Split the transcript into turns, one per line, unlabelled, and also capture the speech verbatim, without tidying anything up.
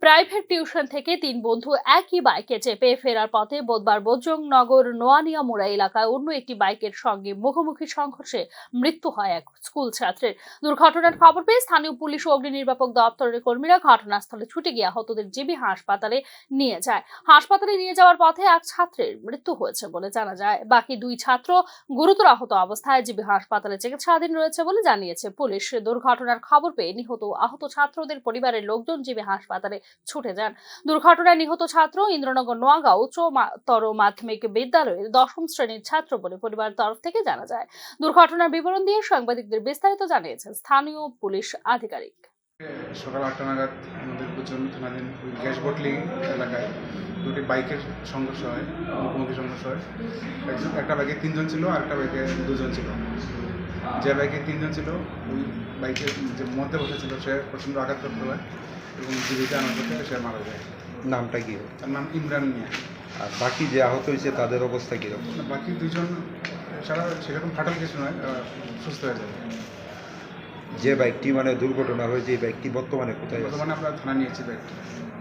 Private tuition থেকে তিন বন্ধু একই বাইকে চেপে ফেরার পথে বুধবার বজরংনগর নোয়ানিয়া মোড়া এলাকায় অন্য একটি বাইকের সঙ্গে মুখোমুখি সংঘর্ষে মৃত্যু হয় এক স্কুল ছাত্রের। দুর্ঘটনার খবর পেয়ে স্থানীয় পুলিশ ও অগ্নি নির্বাপক দপ্তরের কর্মীরা ঘটনাস্থলে ছুটে গিয়ে আহতদের জিবি হাসপাতালে নিয়ে যায়। হাসপাতালে নিয়ে যাওয়ার পথে এক ছাত্রের মৃত্যু হয়েছে বলে জানা যায়। বাকি দুই ছাত্র গুরুতর আহত অবস্থায় জিবি হাসপাতালে চিকিৎসাধীন রয়েছে বলে জানিয়েছে পুলিশ। দুর্ঘটনার খবর পেয়ে নিহত আহত ছাত্রদের পরিবারের লোকজন জিবি হাসপাতালে ছুটে যান। দুর্ঘটনায় নিহত ছাত্র ইন্দ্রনগর নোয়াগাঁও উচ্চতর মাধ্যমিক বিদ্যালয়ের দশম শ্রেণীর ছাত্র বলে পরিবারের তরফ থেকে জানা যায়। দুর্ঘটনার বিবরণ দিয়ে সাংবাদিকদের বিস্তারিত জানিয়েছেন স্থানীয় পুলিশ আধিকারিক।
সকাল আটটা নাগাদ আমাদের দুজন থানাধীন গ্যাস বটলি এলাকায় দুটি বাইকের সংঘর্ষ হয়, মুখোমুখি সংঘর্ষ হয়। একজন একটা বাইকে তিনজন ছিল আর একটা বাইকে দুজন ছিল। যে বাইকে তিনজন ছিল ওই বাইকের যে মধ্যে বসেছিল সে প্রচণ্ড আঘাতপ্রাপ্ত হয় এবং জীবিত আনার পথে সে মারা যায়।
নামটা কি?
তার নাম ইমরান মিয়া।
আর বাকি যে আহত হয়েছে তাদের অবস্থা কীরকম?
বাকি দুজন সারা সেরকম ফাটাল কিছু নয়, সুস্থ হয়ে যাবে।
যে বাইকটি মানে দুর্ঘটনা হয়েছে এই বাইকটি বর্তমানে কোথায় আছে?
বর্তমানে আমরা থানা নিয়েছি বাইকটি।